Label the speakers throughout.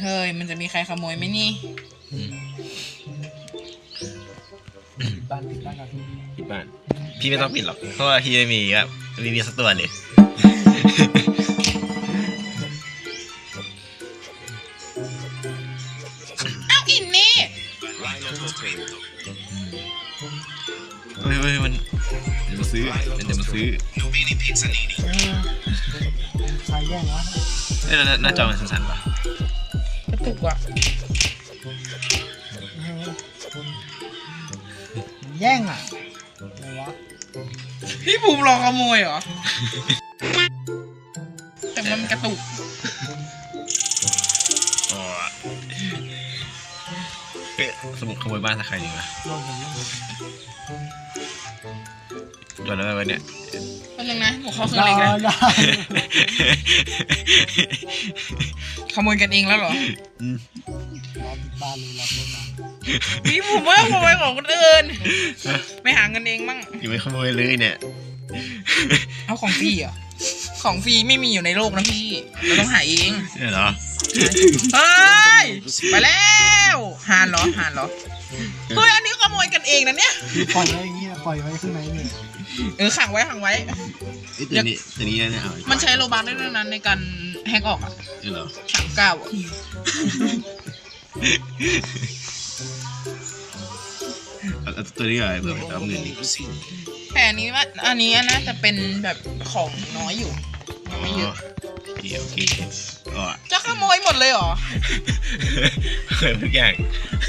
Speaker 1: เฮ้ยมันจะมีใครขโมยไหมนี่
Speaker 2: บ้านก่อน
Speaker 3: ปิดบ้านพี่ไม่ต้องปิดหรอกเพราะว่าพี่ไม่มีครับมีสักตัวเลย
Speaker 1: เอาอินนี่
Speaker 3: เฮ้ยมันจะมาซื้อ
Speaker 2: ใครแย่งวะ
Speaker 3: หน้าจอมันสั่นๆป่ะ
Speaker 1: กระตุกว่ะ
Speaker 2: แย่งอ่ะอะไรวะ
Speaker 1: พี่ภูมิรอขโมยเหรอแต่มันกระตุก
Speaker 3: สมุดขโมยบ้านสักใครดีวะจอดแล้วไว้เนี่ย
Speaker 1: แป๊บนึงนะหนูเข้าเครื่องเล็กแล้วขโมยกันเองแล้วเหรอ
Speaker 2: บ้านเลยรับรถมา
Speaker 1: พี่ผมว่าขโมยของคนอื่นไม่หาเงินเองมั่ง
Speaker 3: อยู่ไม่ขโมยเลยเนี่ย
Speaker 1: เอาของฟรีเหรอของฟรีไม่มีอยู่ในโลกนะพี่เราต้องหาเอง
Speaker 3: เหรอ
Speaker 1: เฮ้ยไปแล้วหานเหรอเฮ้ยอันนี้ขโมยกันเองนะเนี่ย
Speaker 2: ปล่อยไว้อย่างนี้ปล่อยไว้ข้างในเลย
Speaker 1: ขังไว้
Speaker 3: ตัวนี้เนี่ย
Speaker 1: มันใช้โลบาร์ได้ด้วยนั้นในการแฮกออกอ่ะ
Speaker 3: เหรอ
Speaker 1: 39อ่ะ
Speaker 3: ตัวนี้อะไรเผื่อไปเอาเงินดิ
Speaker 1: แต่อันนี้น่าจะเป็นแบบของน้อยอยู่ไม่เยอะ
Speaker 3: โอเค
Speaker 1: จะขโมยหมดเลยเหรอ
Speaker 3: เคยทุกอย่าง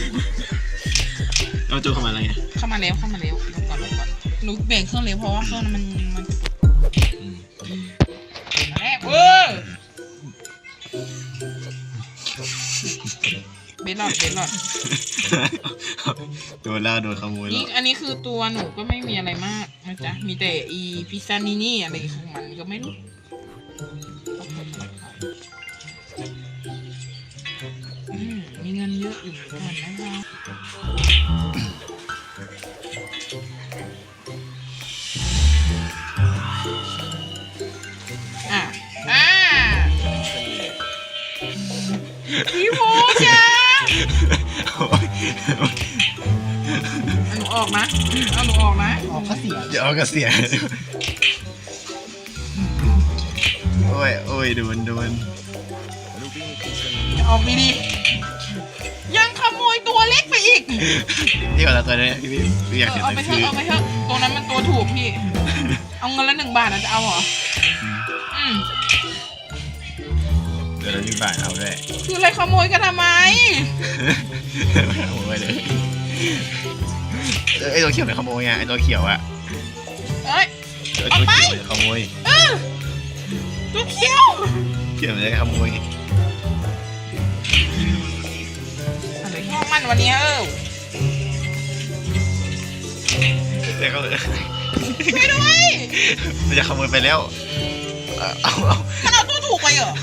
Speaker 3: เอาโจเข้ามาอะไรไง
Speaker 1: เข้ามาแล้วลงก่อนหนูเบรกเครื่องเร็วเพราะว่าเครื่องมันแรกเบลลอด
Speaker 3: โดนขโมยแล้ว
Speaker 1: อันนี้คือตัวหนูก็ไม่มีอะไรมากนะจ๊ะมีแต่พิซซ่านี่อะไรของมันก็ไม่รู้มีเงินเยอะอยู่เหมือนกันนะคะพี่โมจ้าหนูออกนะเอาหนูออกนะ
Speaker 2: ออกก็เสีย
Speaker 3: อย่าออกก็เสียโอ้ยโดน
Speaker 1: ออกดียังขโมยตัวเล็กไปอีก
Speaker 3: ที่ก่อนตัวนี้พี่อยาก
Speaker 1: เอาไปเถอะตัวนั้นมันตัวถูกพี่เอาเงินละ1 บาทจะเอาเหรอ
Speaker 3: เดี๋ยวเรา1 บาทเอาด้วย
Speaker 1: คืออะไรขโมยกันทำไม
Speaker 3: ขโมยเลยไอตัวเขียวเป็นขโมยไงไอตัวเขียวอะ
Speaker 1: ออกไป
Speaker 3: ขโมย
Speaker 1: ตัวเขียว
Speaker 3: มันจะขโมย
Speaker 1: อะไรข้องมันวันนี้
Speaker 3: แต่ก็
Speaker 1: ไม่ด้วย
Speaker 3: มันจะขโมยไปแล้วเอา
Speaker 1: มันเอาตัวถูกไปเหรอ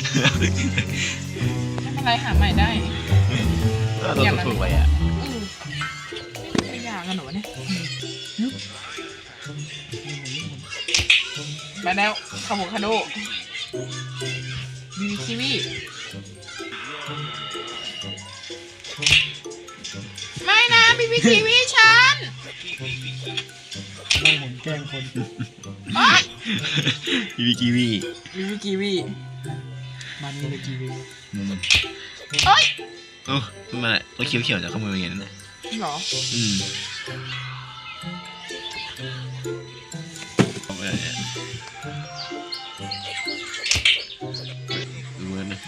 Speaker 1: ไม่เป็นไรหาใหม่ได้
Speaker 3: ตัวถูกไปอ่ะ
Speaker 1: ไม่ยากกันหนูเนี่ยมาแล้วคาโบคาโดบีบีคิวีไม่นะบีบีคิวีฉัน
Speaker 2: ไม่ผมแกล้งคน
Speaker 3: บีบีคิวี
Speaker 2: มันมีกีวี
Speaker 1: เฮ้ย
Speaker 3: ทำไมตัวเขียวจะขโมยอย่างนั้นนะ
Speaker 1: หรอ
Speaker 3: ดูนะ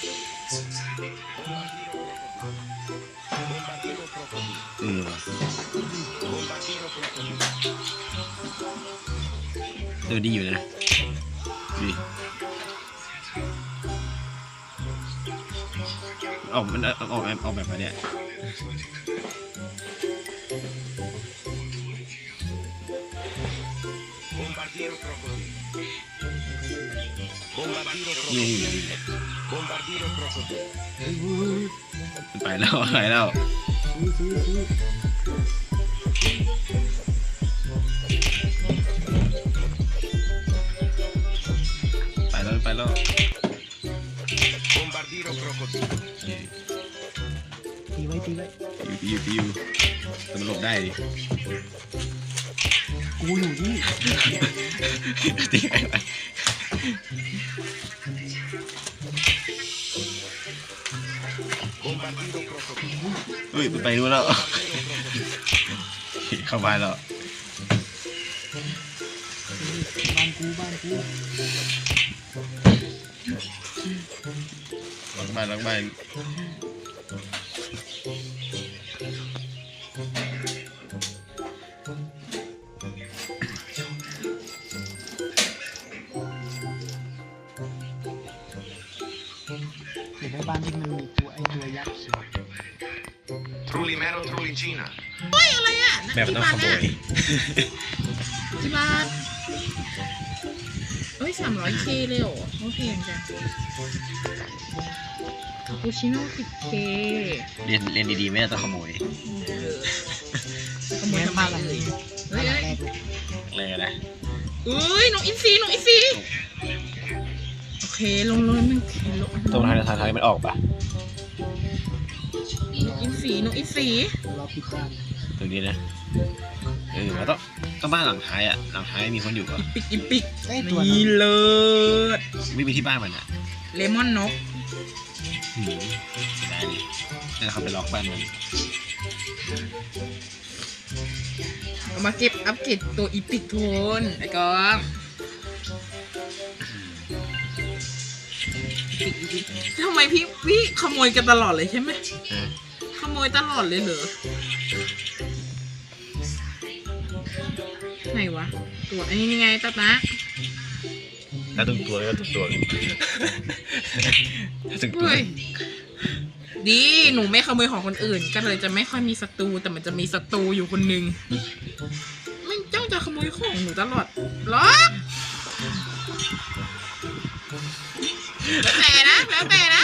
Speaker 3: ดูดีอยู่นะดีมันออกแบบมาเนี่ยไปแล้วไปแล้ว
Speaker 2: ตีไว้
Speaker 3: ปิวแต่มันหลบได้ดิ
Speaker 2: กูอยู่นี่
Speaker 3: ตีไงไปเฮ้ยไปดูแล้วเข้าบ้านแล้ว
Speaker 2: บ้านกู
Speaker 3: หลังบ้าน
Speaker 2: เห็นได้บ้านที่มันมีตัวตัวยักษ์
Speaker 4: Trulli mero, trulli Cina.
Speaker 1: เฮ้ยอะไรอ่ะ
Speaker 3: แม่มันต้องขโมย
Speaker 1: กี่บาทเฮ้ย300K เลยเหรอโอเคจังคาปูชิโน่ 10K
Speaker 3: เรียนดีๆไม่ต้องขโมย
Speaker 1: ขโมยทำไมเลย
Speaker 2: บ้านหลังแรกเลย
Speaker 3: เลยนะ
Speaker 1: เอ้ยน้องอินซีโอเคลงมันลง
Speaker 3: ตรงทางมันออกปะ
Speaker 1: อินซีน้องอินซี
Speaker 2: รอปิดบ้าน
Speaker 3: ตรงนี้นะมันต้องบ้านหลังท้ายอ่ะหลังท้ายมีคนอยู่ปะ
Speaker 1: อิปิก
Speaker 2: ไอ้ตัวนั้น
Speaker 1: นี่เลิศ
Speaker 3: ไม่มีที่บ้านมันอ่ะ
Speaker 1: เลมอนนก
Speaker 3: เสียดายดินั่นเขาไปล็อกบ้านมัน
Speaker 1: เอามาเก็บอัปเกรดตัวอีพิกโทนไอ้กองอีพิกทำไมพี่ขโมยกันตลอดเลยใช่ไหมขโมยตลอดเลยเหรอไหนวะตัวอันนี้ยังไงตาตา
Speaker 3: ถ้าตึงตัวก็ตึงตัวถ้าตึงตัว
Speaker 1: เฮ้ยดีหนูไม่ขโมยของคนอื่น ก็เลยจะไม่ค่อยมีศัตรูแต่มันจะมีศัตรูอยู่คนหนึ่งไม่จ้องจะขโมยของหนูตลอดหรอแล้วแต่นะ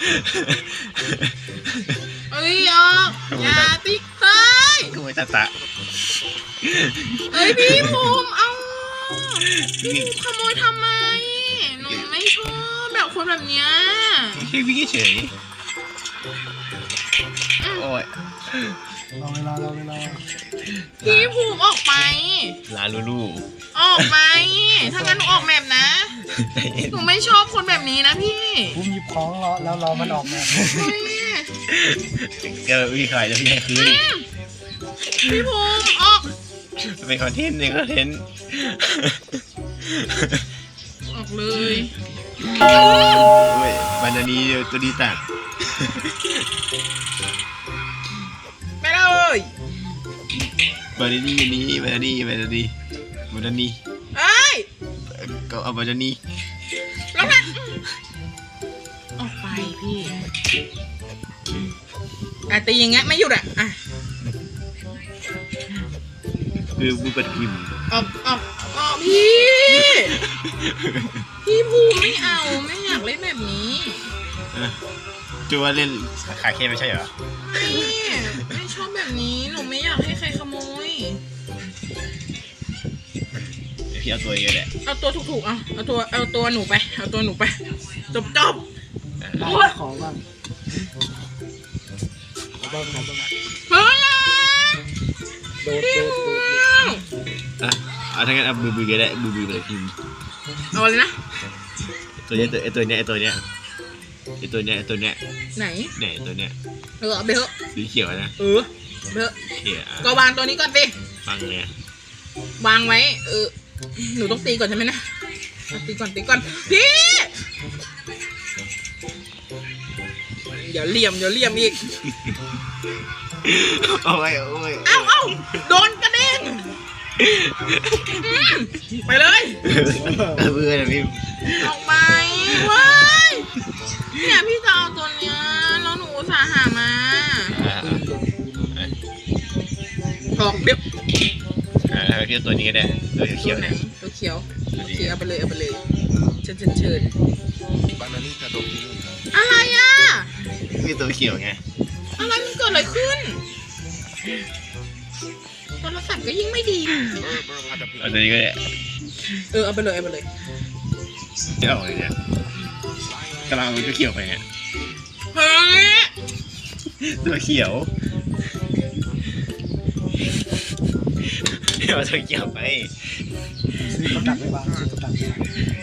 Speaker 1: เอ้ยออกอย่าติ๊กเต้ย
Speaker 3: ขโมยตา
Speaker 1: เอ้ยพี่ภูมิเอาพี่ภูมิขโมยทำไมหนูไม่ชอบแบบคนแบบเนี้ย
Speaker 3: แค่วิ่งเฉยโอ้ย
Speaker 2: รอเวลา
Speaker 1: พี่ภูมิออกไป
Speaker 3: ลาลูลู
Speaker 1: ออกไป ถ้างั้นหนูออกแบบนะ หนูไม่ชอบคนแบบนี้นะพี่
Speaker 2: พุ่มหยิบของรอมันออกมา
Speaker 1: เฮ้ย
Speaker 3: เจอพี่ขายแล้วพี่ให้คืน
Speaker 1: พี่ภูมิออก
Speaker 3: เป็นคอนเทนต์
Speaker 1: ออกเลย
Speaker 3: โอ้ยบานานีตัวดีตัด
Speaker 1: ไปเลย
Speaker 3: บานานีนี้บานานีเ
Speaker 1: อ้ย
Speaker 3: ก็เอาบานานี
Speaker 1: แล้วนะออกไปพี่ตีอย่างเงี้ยไม่หยุดอ่ะ
Speaker 3: คือมือปัดพิมพ์
Speaker 1: ออกพี่ภูมิไม่เอาไม่อยากเล่นแบบนี้
Speaker 3: จูว่าเล่นขาเข้ไม่ใช่เหรอ
Speaker 1: ไม่ชอบแบบนี้หนูไม่อยากให้ใครขโมย
Speaker 3: พี่เอาตัวเองแหละ
Speaker 1: เอาตัวถูกๆเอาตัวหนูไปจบ
Speaker 2: ได้ของบ้างขอบ้าง
Speaker 1: เฮ้ย
Speaker 2: โดด
Speaker 3: อ่ะเอาทั้งนั้นเอาบือก็ได้บือเลยพิมพ์
Speaker 1: เอาเลยนะ
Speaker 3: ตัวเนี้ยไหน
Speaker 1: เอาไปเถอะ
Speaker 3: สีเขียวนะ
Speaker 1: ไปเถอะ
Speaker 3: เขียว
Speaker 1: ก็วางตัวนี้ก่อนสิ
Speaker 3: ฟังเนี่ยว
Speaker 1: างไว้หนูต้องตีก่อนใช่ไหมนะตีก่อนพี่เดี๋ยวเหลี่ยมอีก
Speaker 3: โอ้ย
Speaker 1: เอ้าโดนกระเด็นไปเลย
Speaker 3: บือนะพิมพ์
Speaker 1: ออกไปเว้ยเนี่ยพี่จะเอาตัวเนี้ยแล้วหนูอุตส่าห์หามาออกเดี๋ยว
Speaker 3: พี่ตัวนี้ก็ได้ตัวเขียว
Speaker 1: ไหน
Speaker 3: เนี่ย
Speaker 1: ตัวเขียวเอาไปเลยเชิญ
Speaker 4: Bananita d'ottimismo.
Speaker 1: อะไรอ่ะ
Speaker 3: พี่ตัวเขียวไง
Speaker 1: อะไรมันเกิดอะไรขึ้นโทรศัพท์ก็ยิ่งไม่ดี
Speaker 3: เอาตัวนี้ก็ได้
Speaker 1: เอาไปเลย
Speaker 3: ไม่ออกเลยเนี่ยกำลังมันก็เขียวไปไง
Speaker 1: เฮ้ย
Speaker 3: ตัวเขียวเอาตัวเขียวไป
Speaker 2: ซื้อกับดักไปบ้างซื้อกับดักไปบ้าง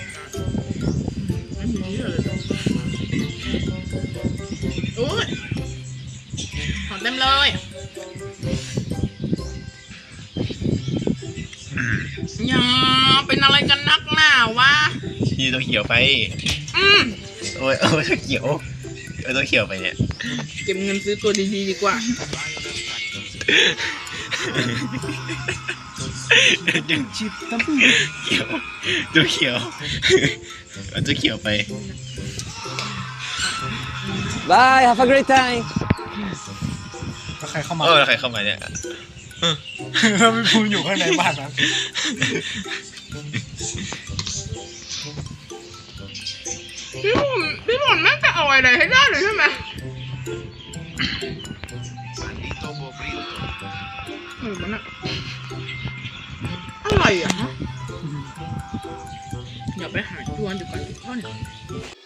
Speaker 1: ไม่มีเลยโอ้ยของเต็มเลยอย่าเป็นอะไรกันนักหนาวะ
Speaker 3: พี่ตัวเขียวไป
Speaker 1: อืม
Speaker 3: โอ้ยตัวเขียวเอาตัวเขียวไปเนี่ย
Speaker 1: เก็บเงินซื้อตัวดีๆดีกว่า
Speaker 2: ชิปตั้มปี้
Speaker 3: เขียวตัวเขียวเอาตัวเขียวไป
Speaker 5: Bye, have a great time.
Speaker 2: แล้วใครเข้ามา
Speaker 3: แล้วใครเข้ามาเนี่ย
Speaker 2: ไม่พูดอยู่ข้างในบ้านนะ
Speaker 1: พี่หมอนแม่งจะเอาอะไรให้ได้เลยใช่ไหม
Speaker 4: Bandito pobrito.
Speaker 1: มันอะอะไรอ่ะฮะอย่าไปหาจวนดีกว่าทุกท่าน